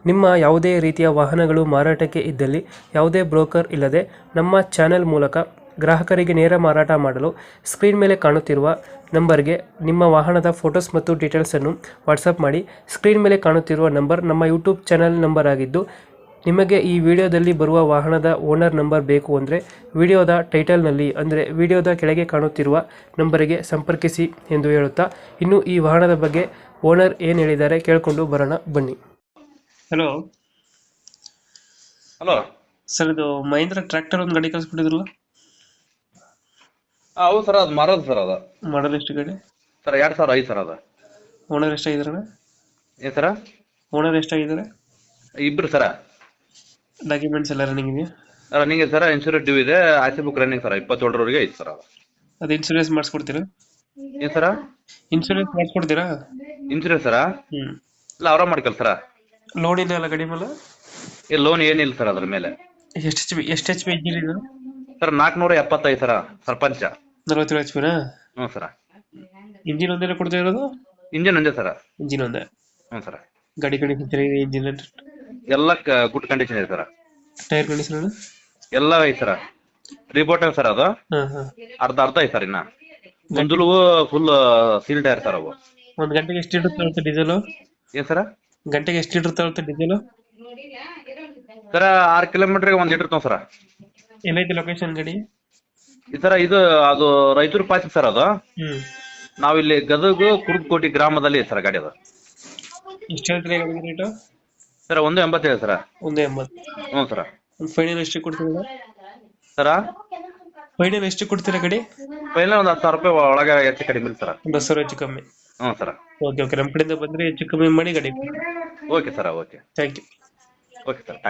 ನಿಮ್ಮ ಯಾವುದೇ ರೀತಿಯ ವಾಹನಗಳು ಮಾರಾಟಕ್ಕೆ ಇದ್ದಲ್ಲಿ ಯಾವುದೇ ಬ್ರೋಕರ್ ಇಲ್ಲದೆ ನಮ್ಮ ಚಾನೆಲ್ ಮೂಲಕ ಗ್ರಾಹಕರಿಗೆ ನೇರ ಮಾರಾಟ ಮಾಡಲು ಸ್ಕ್ರೀನ್ ಮೇಲೆ ಕಾಣುತ್ತಿರುವ ನಂಬರ್ಗೆ ನಿಮ್ಮ ವಾಹನದ ಫೋಟೋಸ್ ಮತ್ತು ಡೀಟೇಲ್ಸನ್ನು ವಾಟ್ಸಪ್ ಮಾಡಿ. ಸ್ಕ್ರೀನ್ ಮೇಲೆ ಕಾಣುತ್ತಿರುವ ನಂಬರ್ ನಮ್ಮ ಯೂಟ್ಯೂಬ್ ಚಾನೆಲ್ ನಂಬರ್ ಆಗಿದ್ದು, ನಿಮಗೆ ಈ ವಿಡಿಯೋದಲ್ಲಿ ಬರುವ ವಾಹನದ ಓನರ್ ನಂಬರ್ ಬೇಕು ಅಂದರೆ ವಿಡಿಯೋದ ಟೈಟಲ್ನಲ್ಲಿ ಅಂದರೆ ವಿಡಿಯೋದ ಕೆಳಗೆ ಕಾಣುತ್ತಿರುವ ನಂಬರಿಗೆ ಸಂಪರ್ಕಿಸಿ ಎಂದು ಹೇಳುತ್ತಾ, ಇನ್ನು ಈ ವಾಹನದ ಬಗ್ಗೆ ಓನರ್ ಏನು ಹೇಳಿದ್ದಾರೆ ಕೇಳಿಕೊಂಡು ಬರೋಣ ಬನ್ನಿ. ಹಲೋ ಹಲೋ ಸರ್, ಇದು ಮಹೇಂದ್ರ ಟ್ರ್ಯಾಕ್ಟರ್ ಒಂದು ಗಾಡಿ ಕಳಿಸ್ಕೊಟ್ಟಿದ್ರಲ್ಲ? ಹೌದು ಸರ್, ಅದು ಮಾರೋದು ಸರ್. ಅದು ಮಾಡಲ್ ಎಷ್ಟು ಗಾಡಿ ಸರ್ 2005 ಸರ್. ಅದು ಓನರ್ ಎಷ್ಟಾಗಿದ್ದಾರೆ? ಏನು ಸರ? ಓನರ್ ಎಷ್ಟಾಗಿದ್ದಾರೆ? ಇಬ್ರು ಸರ. ಡಾಕ್ಯುಮೆಂಟ್ಸ್ ಎಲ್ಲ ರನ್ನಿಂಗ್ ಇದೆಯಾ? ರನ್ನಿಂಗ್ ಸರ್, ಇನ್ಶೂರೆನ್ಸ್ ಡ್ಯೂ ಇದೆ, ಆರ್.ಸಿ ಬುಕ್ ರನ್ನಿಂಗ್ ಸರ್. 27ರವರೆಗೆ ಐತೆ ಸರ್. ಅದು ಇನ್ಶೂರೆನ್ಸ್ ಮಾಡಿಸ್ಕೊಡ್ತೀರಾ? ಏನು ಸರ? ಇನ್ಶೂರೆನ್ಸ್ ಮಾಡಿಸ್ಕೊಡ್ತೀರಾ? ಇನ್ಶೂರೆನ್ಸ್ ಸರ? ಇಲ್ಲ, ಅವರ ಮಾಡ್ಕಲ್ ಸರ. ಲೋನ್ ಇದೆ ಅಲ್ಲ ಗಾಡಿ ಮೇಲೆ? ಲೋನ್ ಏನಿಲ್ಲ ಸರ್ ಅದ್ರ ಮೇಲೆ. ಎಷ್ಟು ಎಚ್ ಪಿ ಇಂಜಿನ್ ಇದು? Sir 475 sir. ಸರ್ಪಂಚ 47 ಎಚ್ ಪಿನಾ? ಹ್ಞೂ ಸರ. ಇಂಜಿನ್ ಒಂದೇ ಕೊಡ್ತಾ ಇರೋದು? ಇಂಜಿನ್ ಒಂದೇ ಸರ. ಇಂಜಿನ್ ಒಂದೇ? ಹ್ಞೂ ಸರ. ಗಾಡಿ ಕಂಡೀಷನ್ ಚೆನ್ನಾಗಿದೆ? ಇಂಜಿನ್ ಎಲ್ಲ ಗುಡ್ ಕಂಡೀಷನ್ ಇದೆ ಸರ. ಟೈರ್ ಕಂಡೀಷನ್ ಎಲ್ಲ ಐತೆ ಸರ. ರಿಬೋಟಲ್ ಸರ್. ಅದು ಅರ್ಧ ಐತೆ ಸರ್. ಇನ್ನ ಮುಂದಲು ಫುಲ್ ಸೀಲ್ ಟೈರ್ ಸರ್. ಅವು ಒಂದು ಗಂಟೆಗೆ ಎಷ್ಟು ಲೀಟರ್ ತಗೊಳುತ್ತೆ ಡೀಸೆಲ್? ಏನು ಸರ? ಗಂಟೆಗೆ ಎಷ್ಟು ಲೀಟರ್ ತಗೊಳುತ್ತೆ ಡೀಸೆಲ್ ಸರ? 6 ಕಿಲೋಮೀಟರ್ಗೆ 1 ಲೀಟರ್ ತಗೋ ಸರ. ಎಲ್ಲೈತೆ ಲೊಕೇಶನ್ ಗಾಡಿ? ಈ ತರ ಇದು ಅದು ರಾಯಚೂರು ಪಾಸ್ ಸರ್. ಅದು ನಾವಿಲ್ಲಿ ಗದಗ ಕುರುಕೋಟಿ ಗ್ರಾಮದಲ್ಲಿ ಸರ್ ಗಾಡಿ. ಅದು ಎಷ್ಟು ಹೇಳ್ತೀರಾ ಗಾಡಿ ರೇಟು? ಸರ್ 1.87 ಸರ. 1.80? ಹ್ಞೂ ಸರ. ಒಂದು ಫೈನಲ್ ಎಷ್ಟು ಕೊಡ್ತೀರಾ ಸರ? ಫೈನಲ್ ಎಷ್ಟು ಕೊಡ್ತೀರಾ ಗಾಡಿ? ಫೈನಲ್ ಒಂದು 10,000 ರೂಪಾಯಿ ಒಳಗೆ ಹೆಚ್ಚು ಕಡಿಮೆ ಸರ್. 10,000 ಹೆಚ್ಚು ಕಮ್ಮಿ? ಹ್ಞೂ ಸರ. ಓಕೆ ಓಕೆ, ನಮ್ಮ ಕಡೆಯಿಂದ ಬಂದರೆ ಹೆಚ್ಚು ಕಮ್ಮಿ ಮಾಡಿ ಗಾಡಿ. Okay sir. Okay, thank you. Okay sir.